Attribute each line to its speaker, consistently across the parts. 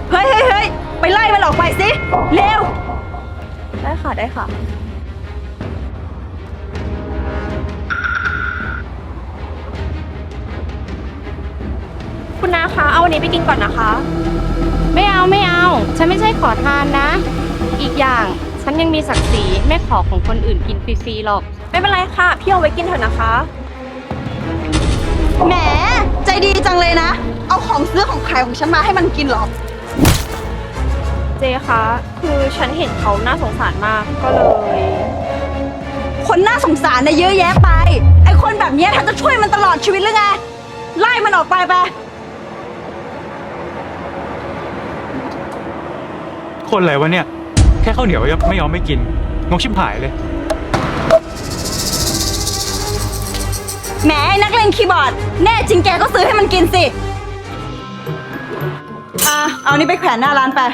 Speaker 1: เฮ้ยเฮ้ยเฮ้ยไปไล่มันออกไปสิเร็วได้ค่ะได้ค่ะคุณนาคะเอาวันนี้ไปกินก่อนนะคะ
Speaker 2: ไม่เอาไม่เอา ฉันไม่ใช่ขอทานนะ อีกอย่างฉันยังมีศักดิ์ศรีไม่ขอของคนอื่นกินฟรีๆหรอก
Speaker 1: ไม่เป็นไรค่ะพี่เอาไว้กินเถอะนะคะแหมใจดีจังเลยนะเอาของซื้อของขายของฉันมาให้มันกินหรอเจคะคือฉันเห็นเขาน่าสงสารมากก็เลย คนน่าสงสารนะเยอะแยะไปไอคนแบบนี้เธอจะช่วยมันตลอดชีวิตหรือไงไล่มันออกไปไป
Speaker 3: คนอะไรวะเนี่ยแค่ข้าวเหนียวไม่ยอมไม่กินงกชิบหายเลย
Speaker 1: แหมนักเลงคีย์บอร์ดแน่จริงแกก็ซื้อให้มันกินสิเอานี่ไปแขวนหน้าร้านไป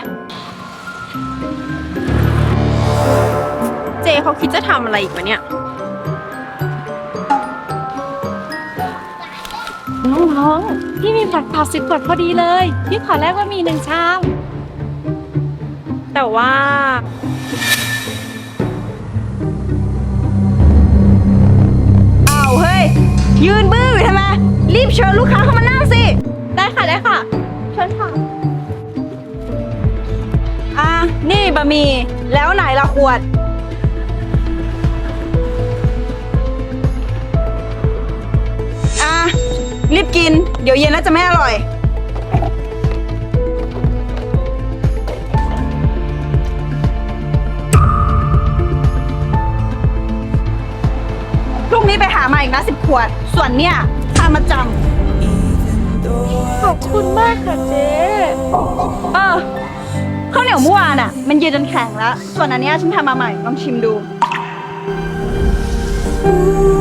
Speaker 1: เจเขาคิดจะทำอะไรอีกวะเนี่ย
Speaker 2: น้องๆพี่มีผัดเผา10 ขวดพอดีเลย พี่ขอแลกว่ามี1 ชาม
Speaker 1: แต่ว่าอ้าวเฮ้ยยืนบื้ออยู่ทำไมรีบเชิญลูกค้าเข้ามานั่งสิได้ค่ะได้ค่ะเชิญค่ะนี่บะหมี่แล้วไหนละขวดรีบกินเดี๋ยวเย็นแล้วจะไม่อร่อยพรุ่งนี้ไปหามาอีกนะ10 ขวดส่วนเนี่ยค่ามาจำขอบคุณมากค่ะเจ๊ข้าวเหนียวเมื่อวานอ่ะมันเย็นจนแข็งแล้วส่วนอันเนี้ยฉันทำมาใหม่ลองชิมดู